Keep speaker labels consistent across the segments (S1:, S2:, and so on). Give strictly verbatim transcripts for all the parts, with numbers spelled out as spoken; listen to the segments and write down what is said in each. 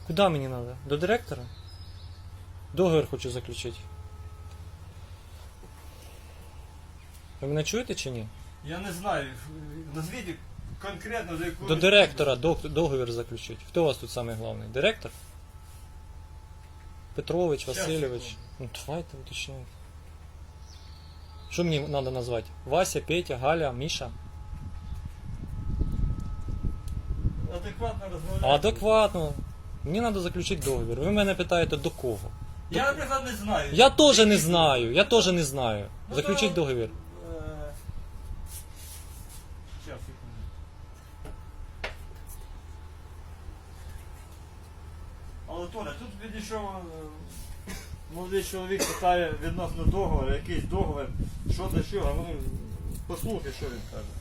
S1: Куди мені треба? До директора? Договір хочу заключити. Ви мене чуєте чи ні?
S2: Я не знаю, назвіть конкретно до якого...
S1: До директора дог- договір заключити. Хто у вас тут самий головний? Директор? Петрович,
S2: Щас,
S1: Васильович?
S2: секунду.
S1: Ну давайте уточняйте. Що мені треба назвати? Вася, Петя, Галя, Міша?
S2: Адекватно розмовляти.
S1: Адекватно. Мені треба заключити договір. Ви мене питаєте до кого?
S2: Я, наприклад, не знаю.
S1: Я теж не знаю. Я теж не знаю.
S2: Ну,
S1: Заключіть
S2: то-
S1: договір.
S2: Е, щас, секунду. Але Толя, тут підійшов е, молодий чоловік, питає відносно договору, якийсь договір, що до чого, а ну послухай, що він каже.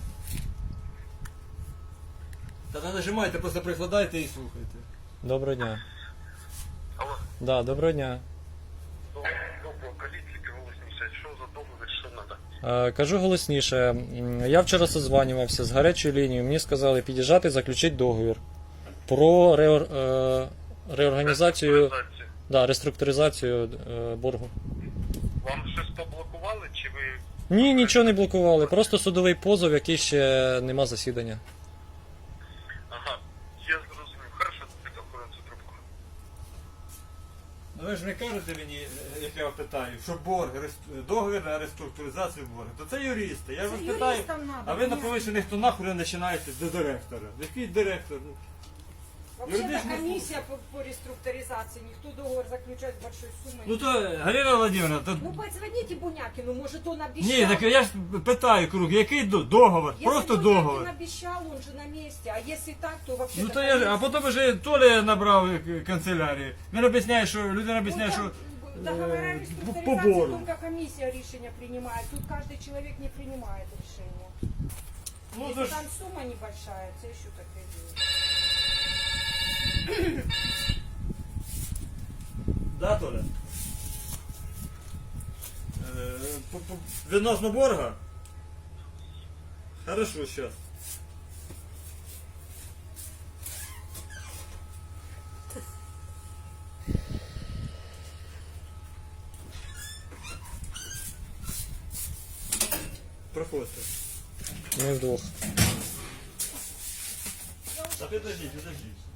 S2: Та не нажимайте, просто прикладайте і слухайте.
S1: Доброго дня.
S3: Алло,
S1: Да, доброго дня.
S3: добро, кажіть тільки голосніше, що за договір, що треба?
S1: Е, Кажу голосніше. М, Я вчора созванювався з гарячою лінією. Мені сказали під'їжджати, заключити договір про реор... е, реорганізацію, да, реструктуризацію е, боргу.
S3: Вам щось поблокували, чи ви...
S1: Ні, нічого не блокували. Просто судовий позов, який ще нема засідання.
S3: Ага, я зрозумів. Хорошо, так охорону цю трубку.
S2: Ну ви ж не кажете мені, як я питаю, що борг, рест- договір на реструктуризацію боргу, то це юристи. Я
S4: Це
S2: вас питаю,
S4: юристам надо,
S2: а ви на
S4: ні.
S2: повищених тонах вже починаєте до директора. Який директор?
S4: Вообще-то
S2: Юридична
S4: комиссия по, по реструктуризации, никто договор заключать с большой суммой.
S2: Ну то, Галина Владимировна, то...
S4: Ну позвоните Бунякину, может он обещал.
S2: Ні, так я ж питаю круг, який до- договор?
S4: Если
S2: Просто
S4: Бунякин
S2: договор.
S4: обещал, он же на месте. А если так, то вообще.
S2: Ну то я ж, а потім вже Толя набрав е, канцелярію. Він об'ясняє, що людина об'ясняє, що
S4: договора
S2: э,
S4: реструктуризации
S2: по бору.
S4: только комиссия решение принимает. Тут каждый человек не принимает решение.
S2: ну,
S4: Если
S2: то ж,
S4: там сумма небольшая, это еще такое дело.
S2: да, Толя? Е, по- по- Відносно борга? Хорошо, сейчас. Проходьте.
S1: Ми вдвох.
S2: Та підождіть, підождіть.